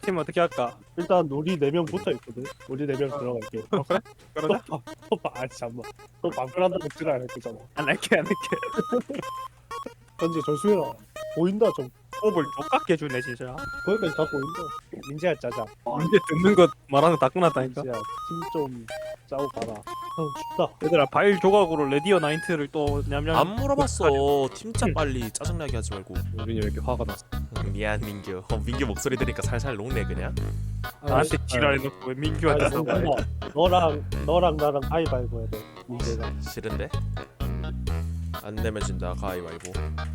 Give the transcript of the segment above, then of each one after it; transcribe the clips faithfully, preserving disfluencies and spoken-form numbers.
팀 어떻게 할까? 일단 우리 네 명 붙어 있거든. 우리 네 명 들어갈게. 어, 그래? 그러자. 또아 잠만. 또 방풀한다고 지랄 안 했잖아. 안 할게 안 할게. 현재 조심해라. 보인다 좀. 호흡을 똑같게 주네 진짜. 거기까지 다 보인다. 민재야 짜자. 이제 듣는 것 말하는 거 다 끝났다니까. 민재야 팀 좀 짜고 가라. 형 춥다. 얘들아 바일 조각으로 레디어 나인트를 또 냠냠. 안 물어봤어. 팀짜 빨리 짜증나게 하지 말고. 우린이 왜 이렇게 화가 났어? 응, 미안 민규. 어, 민규 목소리 들으니까 살살 녹네 그냥. 나한테 지랄해놓고 왜 민규한테 아, 사과해? 너랑 너랑 나랑 가위바위보 해야 돼. 민재가. 싫은데? 안 내면 진다 가위바위보.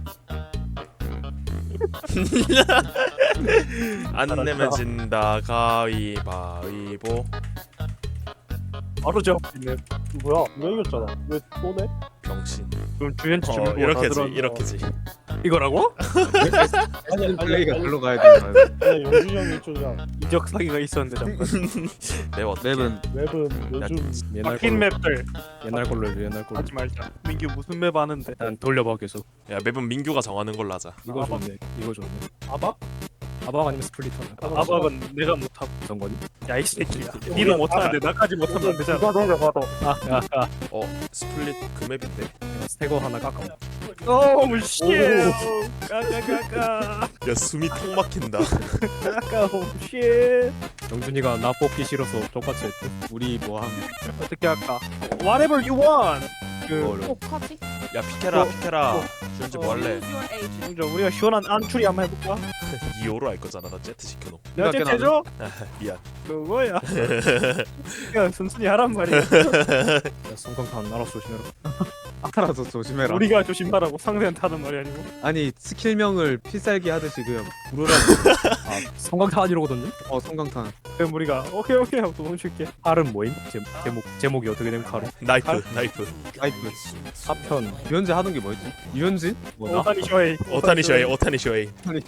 안 내면 진다 가위바위보. 바로 잡히네. 뭐야? 왜 이겼잖아. 왜 또 내? 병신. 그럼 주연치 어 좀 이렇게지 이렇게지. 이거라고? 아니 아니 플레이가 아니 글로 가야 되는 거야. 아니 용준이 형이 이쪽이야. 이적 사기가 있었는데 잠깐. 매워. 맵은 웹은 요즘 옛날 바뀐 걸로 맵들 옛날 걸로 해줘 옛날 걸로. 하지 말자. 민규 무슨 맵 아는데? 난 돌려봐 계속. 야 맵은 민규가 정하는 걸로 하자. 이거 아박. 좋네. 이거 좋네. 아박? 아박 아니면 스플리터나. 아박은 내가 못하고. 어떤 거니? 야 이 새끼야. 니도 못하는데 나까지 못하면 안 되잖아. 누가 너가 봐도. 아, 야, 야. 어 스플릿 그 맵인데. 스테고 하나 깎아. 오우 쉣. 까까까까. 야 숨이 턱 막힌다. 까까 오우 쉣. 영준이가 나 뽑기 싫어서 똑같이 했대. 우리 뭐함? 어떻게 할까? Whatever you want. 그 뭐를? 어떡하지? 야 피케라 어, 피케라. 어. 주연지 뭐 할래? 먼저 우리가 시원한 안추리 한번 해볼까? 이오로 할 거잖아. 나 제트 시켜놓. 내가 생각해, 제태죠? 미안. 그거야. 그냥 순순히 하란 말이야. 야, 성광탄 나라 조심해라. 알아서 조심해라. 우리가 조심하라고 상대한테 하는 말이 아니고. 아니 스킬명을 필살기 하듯이 그냥 부르라고. 아 성광탄 이러거든요? 어 성광탄. 그럼 우리가 오케이 오케이 하고 도망칠게. 칼은 뭐임? 제, 제목 제목이 어떻게 된 칼은? 나이프 나이프. 아이프. 사편. 유현진 하던 게 뭐였지? 유현진? 뭐나? 오타니 쇼헤이. 오타니 쇼헤이 오타니 쇼헤이.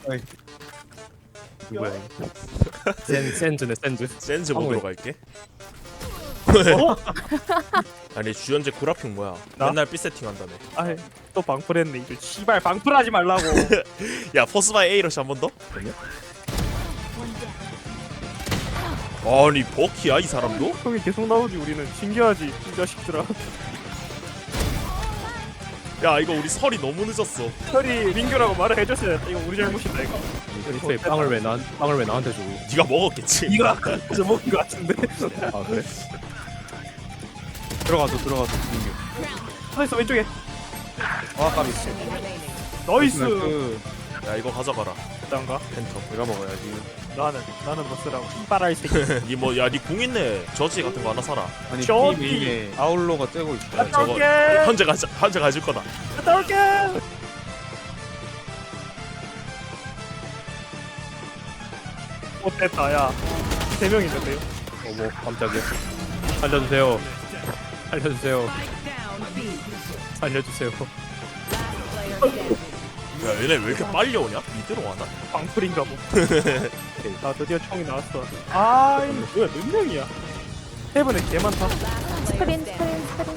누구야? 센 센즈네 센즈. 센즈 아, 먹으러 왜? 갈게. 아니 주연재 구라핑 뭐야? 나? 맨날 삐 세팅 한다네. 아이 또 방풀했네 이거. 씨발 방풀하지 말라고. 야 포스바이 A러시 한 번 더? 아니 버키야 이 사람도? 형이 계속 나오지 우리는. 신기하지 이 자식들아. 야 이거 우리 설이 너무 늦었어. 철이 민규라고 말을 해줬어야 돼. 이거 우리 잘못이다 이거. 애초에 빵을 왜 나, 빵을 왜 나한테 주고? 네가 먹었겠지. 이거 아까 저 먹은 거 같은데. 아 그래? 들어가서 들어가서 민규. 서있어 왼쪽에. 아 까비. 나이스. 그 야 이거 가져가라. 일단가. 펜터. 내가 먹어야지. 나는 나는 뭐 쓰라고. 신발아 이 새끼. 니뭐야니궁 있네. 저지 같은 거 하나 사라. 아니 저기. B 메인에 아울로가 쬐고 있어. 야, 저거 올게. 현재 가져 현재 가질 거다. 갔다 올게. 못됐다 야. 세 명 있는데요. 어머 깜짝이야. 살려주세요. 살려주세요. 살려주세요. 야 얘네 왜 이렇게 빨리 오냐? 미드로 와나? 방풀인가 뭐. 나 드디어 총이 나왔어. 아이 뭐야 몇 명이야? 세븐에 개 많다. 스크린 스크린 스크린.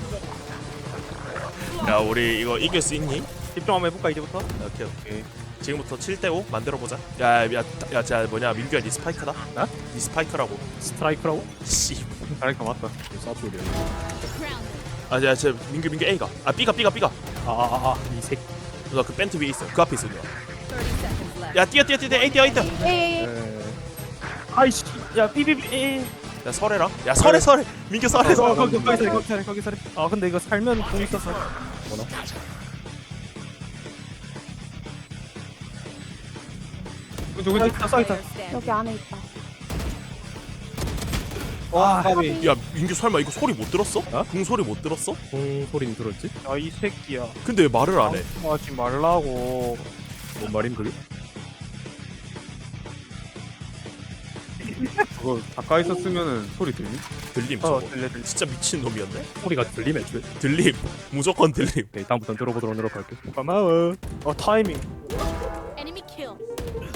야 우리 이거 이길 수 있니? 집중 한번 해볼까 이제부터? 오케이 오케이. 지금부터 칠 대 오 만들어 보자. 야야야 자 뭐냐 민규야 니 스파이크다. 나? 니 스파이크라고. 스트라이크라고? 씨. 잘했다 맞다. 사투리야. 아야 저 민규 민규 A가. 아 B가 B가 B가. 아아아이 새끼. 너그 벤트 위에 있어. 그 앞에 있어. 누나. 야 뛰어 뛰어 뛰어 A 뛰어 A 뛰어. 에이. 에... 아이씨 야 삐삐삐. 야 설해라. 야 설해 설해. 민규 설해 어, 설해. 거기 거기 살해 거기 살해 거기 살해. 아 근데 이거 살면 공 있어서. 뭐나? 그치 그치. 있다 써 있다. 여기 안에 있다. 와 까비. 야 민규 설마 이거 소리 못 들었어? 어? 궁 소리 못 들었어? 공 소리는 들었지? 야이 새끼야. 근데 왜 말을 안 해? 하지 말라고. 뭔 말임 그게? 그거 가까이 있었으면은 소리 들리? 들림 어 저거. 들려 들려. 진짜 미친 놈이었네. 소리가 들리면 애초에. 들림. 무조건 들림. 오케이 다음부터는 들어보도록 노력할게. 고마워. 어 타이밍. Enemy kill.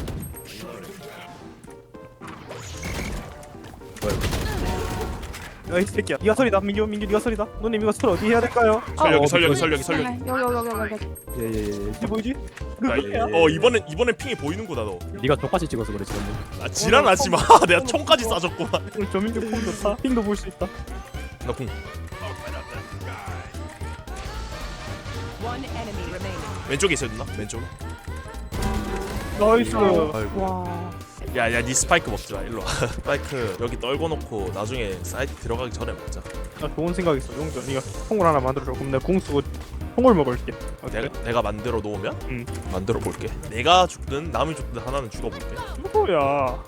뭐야? 야이 새끼야. 네가 소리다. 민규 민규 네가 소리다. 누님 이거 설 어디 해야 될까요? 설력이 어, 설력이 어, 설력이 설력이. 여기 여기 여기 여기. 예예예. 이게 뭐지? 야, 어 이번엔 이번엔 핑이 보이는구나 너. 네가 족같이 찍어서 그래 지금. 아 지랄하지 마. 내가 총까지 쏴줬구만. 오늘 조민규 폼 좋다. 핑도 볼 수 있다. 나 궁. One enemy remaining. 왼쪽에 있어야 되나? 왼쪽. 나이스. 아이고. 와. 야야 니 스파이크 먹지 마. 일로 와. 스파이크 여기 떨궈 놓고 나중에 사이트 들어가기 전에 먹자. 나 좋은 생각 있어. 용준 네가 통을 하나 만들어줘. 그럼 내가 궁 쓰고 통을 먹을게. 어때? 내가 내가 만들어 놓으면 응. 만들어 볼게. 내가 죽든 남이 죽든 하나는 죽어 볼게. 뭐야?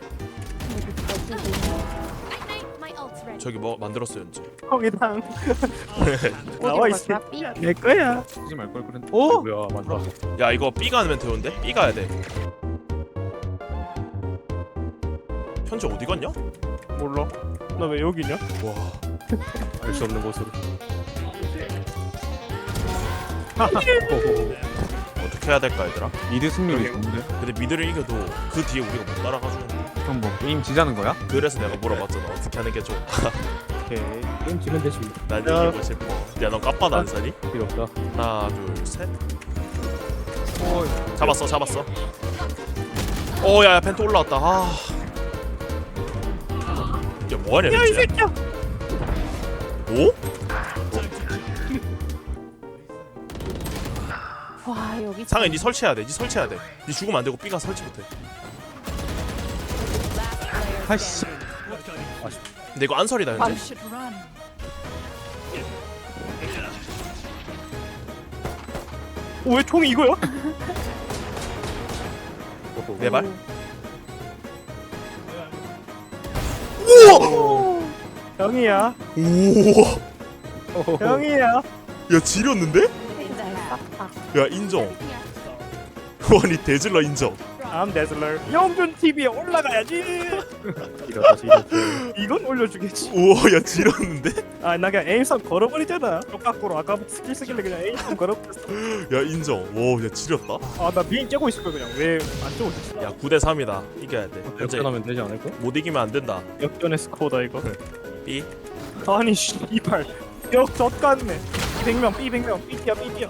My ult's ready. 저기 뭐 만들었어 연지. 형이랑 나와 어디로 있어. 갈까? 삐? 내 거야. 쓰지 말 걸 그랬는데. 오! 뭐야 맞다. 야 이거 B 가면 되는데? B 가야 돼. 현재 어디 갔냐? 몰라. 나 왜 여기냐? 와. 알 수 없는 곳으로. 어떻게 해야 될까 얘들아? 미드 승률이 좋은데? 근데 미드를 이겨도 그 뒤에 우리가 못 따라가주는. 그럼 뭐 게임 지자는 거야? 그래서 내가 물어봤잖아. 어떻게 하는 게 좋아? 오케이. 게임 지면 되지. 난 야. 이기고 싶어. 야 너 까빠도 안 사니? 필요 없다. 하나 둘 셋. 오, 잡았어 잡았어. 오야야 펜트 올라왔다. 아. 야 뭐하냐 야, 이 진짜? 새끼야. 오? 와 여기. 상해 니 설치해야 돼. 니 설치해야 돼. 니 죽으면 안 되고 B가 설치 못해. 아이씨. 근데 이거 안설이다 You 현재. should run. 오, 왜 총이 이거야? 내 발? 형이야. 우와. 형이야. 야 지렸는데? 싹다. 야 인정. 아니 대질러 인정. I'm Dazzler. 영준 티비에 올라가야지. 이러다 지렸어. 이건 올려주겠지. 우와 야 지렸는데? 아, 나 그냥 에임선 걸어버리잖아. 똑같고로 아까부터 스킬 쓰길래 그냥 에임선 걸어버렸어. 야 인정. 와야 지렸다. 아, 나 비행 째고 있을 거야 그냥. 왜 안 째고 있었어? 야 구 대 삼이다. 이겨야 돼. 현재 역전하면 되지 않을까? 못 이기면 안 된다. 역전의 스코어다 이거. B. 아니 씨발. 역전 같네. 백 명, B 백 명, B티야, B티야.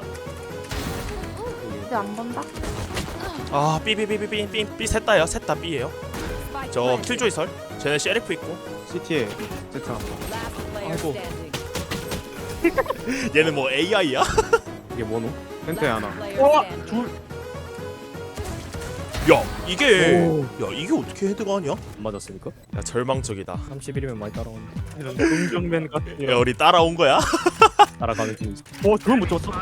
이제 안 본다? 아 B B B B B B B 셋다요. 셋다 B예요. Spike 저 planted. 킬조이 설. 쟤네 셰리프 있고. 시티에 세트 한 번. Last player 아이고. standing. 얘는 뭐 에이아이야? 이게 뭐노? 펜트에 하나. Player 와, standing. 둘. 야 이게 오. 야 이게 어떻게 헤드가 하냐? 안 맞았으니까? 야 절망적이다. 삼십일이면 많이 따라오는데. 이런 긍정맨 같아. 야 우리 따라온 거야? 따라가는 중이지. 오, 저걸 못 잡았어.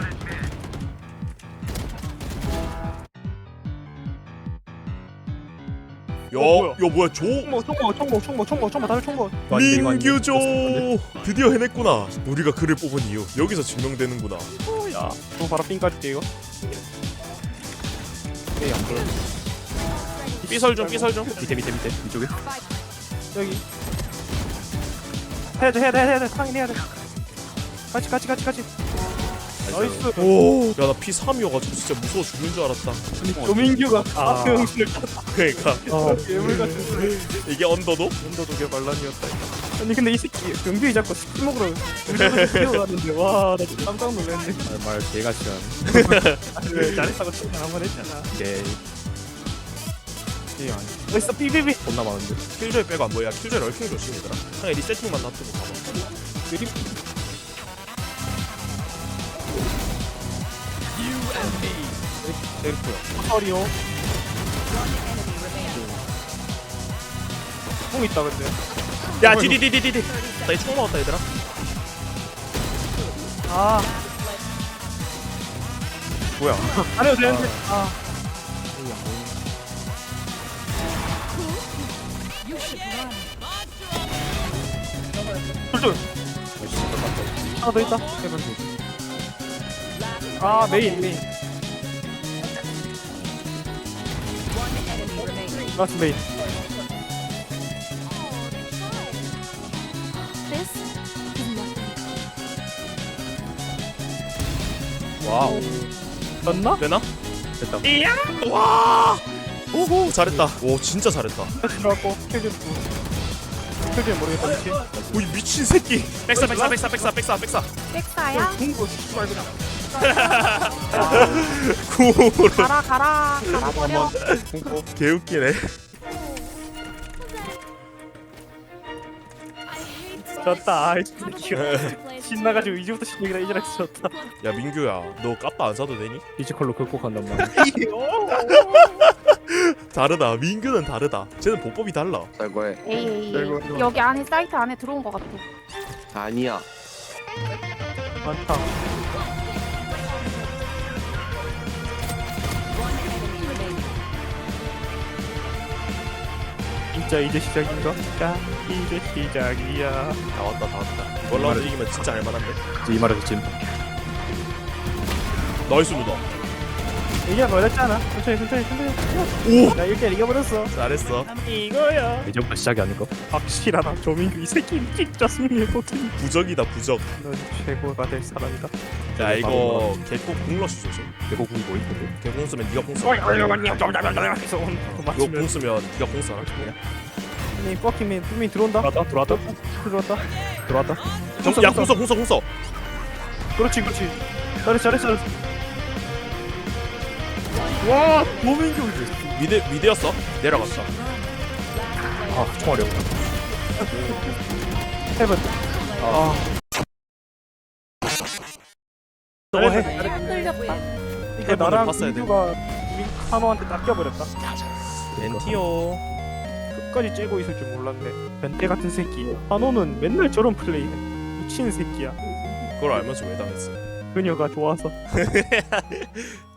야, 어, 뭐야? 야 뭐야 조 총모, 총모, 총모, 총모, 총모, 총모, 다들 총모. 민규조 드디어 해냈구나. 우리가 그를 뽑은 이유 여기서 증명되는구나. 야, 또 바로 삥 까줄게 이거. 에이 안 보여. 삐설 좀 삐설 좀. 밑에 밑에 밑에 이쪽에. 여기. 해야 돼, 해야 돼, 해야 돼. 상인 해야 돼. 같이, 같이, 같이, 같이. 나이스. 오, 야 나 피 삼이어가지고 진짜 무서워 죽는 줄 알았다. 조민규가 아. 아병신을 쳤다. 그러니까 어, 괴물 같은 소리. 이게 언더도? 언더도 개 반란이었다. 아니 근데 이 새끼 병규이 자꾸 스킬 먹으러 우리를 뛰어가는데 와, 나 진짜 깜짝 놀랐네. 아, 말 개같이 하네. 아니, 왜 잘했다고 칭찬 한번 했잖아. 개. 이 아니. 어딨어, 삐삐삐. 겁나 많은데. 킬조이 빼고 안 보여. 야 킬조이 럴킹 조심이더라. 상에 리세팅만 놔두고 가봐. 느림. 셀프야. 서리오. 뽕 있다 근데. 야 디디디디디디. 나이총 먹었다 얘들아. 아. 뭐야? 안 해도 되는데. 아. You should run. 둘둘. 하나 더 있다. 세븐 두. 아, 메인 메인. One enemy remaining. 라스 메인. This is nothing. 와우. 졌나? 되나? 됐다. 이야. 와. 오호 잘했다. 오 진짜 잘했다. 들어갔고 킬좀 틀지는 모르겠다 미친. 오이 미친 새끼. 백사 백사 백사 백사 백사 백사. 백사야? 궁고 씨발 그냥. 구호로 가라 가라 가라버려. 궁고. 개웃기네. 졌다. 아이 신나가지고 이제부터 신나기다 이제랑 졌다. 야 민규야, 너 까빠 안 사도 되니? 피지컬로 극복한단 말이야. 다르다. 민규는 다르다. 쟤는 보법이 달라. 쌀거해. 에이 에이 이거, 에이. 이거. 여기 안에 사이트 안에 들어온 것 같아. 아니야. 많다. One enemy remaining. 진짜 이제 시작인가? 자 이제 시작이야. 다 왔다 다 왔다. 이번 라운드 이기면 진짜 할만한데. 이 말에서 진. 나이스 누나. 이게 어렵잖아. 천천히 천천히 천천히. 오! 나 이렇게 이겨버렸어. 잘했어. 이거야. 이제부터 시작이 아닐까? 확실하다. 조민규 이 새끼 진짜 승리해보더니 부적이다 부적. 넌 최고가 될 사람이다. 야 이거 개꼭 궁러시 조심. 대고궁이 뭐 있는데? 개공 쓰면 네가 공 써. 어이 어이 어이 냠 그래서 오늘 이거 공 맞추면 쓰면 네가 공 써. 이 뻑키맨 뿜이 들어온다. 들어왔다 들어왔다 들어왔다. 들어왔다. 야 공써 공써 공써. 그렇지 그렇지. 잘했어 잘했어 잘했어. 와 조민규 미드 미드였어. 내려갔어. 아 총알이 없다. 해븐. 아. 너 해. 흔들렸다. 이거 해븐을 나랑 봤어야 돼. 민규가 우리 한호한테 낚여버렸다. 엔티오. 끝까지 째고 있을 줄 몰랐네. 변태 같은 새끼. 한호는 맨날 저런 플레이해. 미친 새끼야. 그걸 알면서 왜 당했어? 그녀가 좋아서.